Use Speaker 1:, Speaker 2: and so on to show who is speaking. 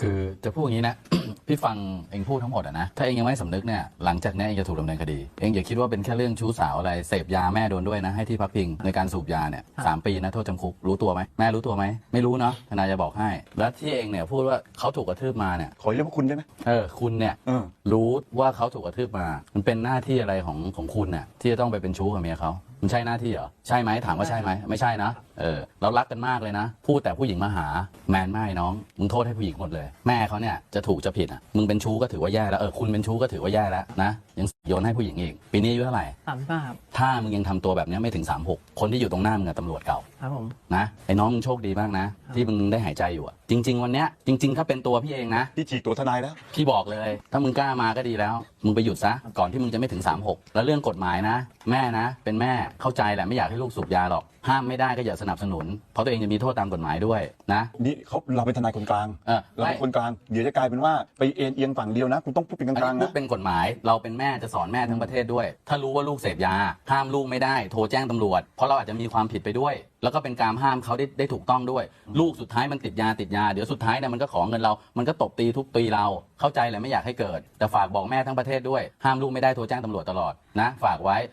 Speaker 1: คือจะพูดอย่างนี้นะ พี่ฟังเองพูดทั้งหมดนะถ้าเองยังไม่สำนึกเนี่ยหลังจากนี้เองจะถูกดำเนินคดีเองอย่าคิดว่าเป็นแค่เรื่องชู้สาวอะไรเสพยาแม่โดนด้วยนะให้ที่พักพิงในการสูบยาเนี่ย3 ปีนะโทษจำคุกรู้ตัวไหมแม่รู้ตัวไหมไม่รู้เนาะทนายจะบอกให้แล้วที่เองเนี่ยพูดว่าเขาถูกกระทืบมาเนี่ย
Speaker 2: ขอเรียกว่าคุณได้ไหม
Speaker 1: คุณเนี่ยรู้ว่าเขาถูกกระทืบมามันเป็นหน้าที่อะไรของคุณเนี่ยที่จะต้องไปเป็นชู้กับเมียเขามันใช่หน้าที่เหรอใช่ไหมถามว่าใช่ไหมไม่ใช่นะเรารักกันมากเลยนะพูดแต่ผู้หญิงมาหาแมนไม่น้องมึงโทษให้ผู้หญิงหมดเลยแม่เขาเนี่ยจะถูกจะผิดอ่ะมึงเป็นชู้ก็ถือว่าแย่แล้วคุณเป็นชู้ก็ถือว่าแย่แล้วนะยังโยนให้ผู้หญิงอีกปีนี้อายุเท่าไหร่
Speaker 3: 35 ครับ
Speaker 1: ถ้ามึงยังทำตัวแบบนี้ไม่ถึง36คนที่อยู่ตรงหน้ามึงอะตำรวจเก่า
Speaker 3: ครับผม
Speaker 1: นะไอ้น้องมึงโชคดีมากนะที่มึงได้หายใจอยู่อะจริง ๆ วันเนี้ยจริง ๆ ถ้าเป็นตัวพี่เองนะ
Speaker 2: ที่ฉีกตัวทนายแล้ว
Speaker 1: พี่บอกเลยถ้ามึงกล้ามาก็ดีแล้วมึงไปหยุดซะก่อนที่มึงจะไม่ถึง36แล้วเรื่องกฎหมายนะแม่นะเป็นแม่เข้าใจแหละไม่อยากให้ลูกสูบยาหรอกห้ามไม่ได้ก็อย่าสนับสนุนเพราะตัวเองจะมีโทษตามกฎหมายด้วยนะ
Speaker 2: นี่เราเป็นทนายคนกลาง เราเป็นคนกลางเดี๋ยวจะกลายเป็นว่าไปเอ็นเอียงฝั่งเดียวนะคุณต้องพูดเป็นก
Speaker 1: อัน
Speaker 2: ลาง
Speaker 1: นี้
Speaker 2: ๆ
Speaker 1: พู
Speaker 2: นะ
Speaker 1: ดเป็นกฎหมายเราเป็นแม่จะสอนแม่ทั้งประเทศด้วย ถ้ารู้ว่าลูกเสพยาห้ามลูกไม่ได้โทรแจ้งตำรวจเพราะเราอาจจะมีความผิดไปด้วย แล้วก็เป็นการห้ามเขาได้ถูกต้องด้วย ลูกสุดท้ายมันติดยาเดี๋ยวสุดท้ายเนี่ยมันก็ขอเงินเรามันก็ตบตีทุบตีเราเข้าใจแหละไม่อยากให้เกิดแต่ฝากบอกแม่ทั้งประเทศด้วยห้ามลูกไม่ได้โทรแจ้งตำรวจตลอดนะฝากไว้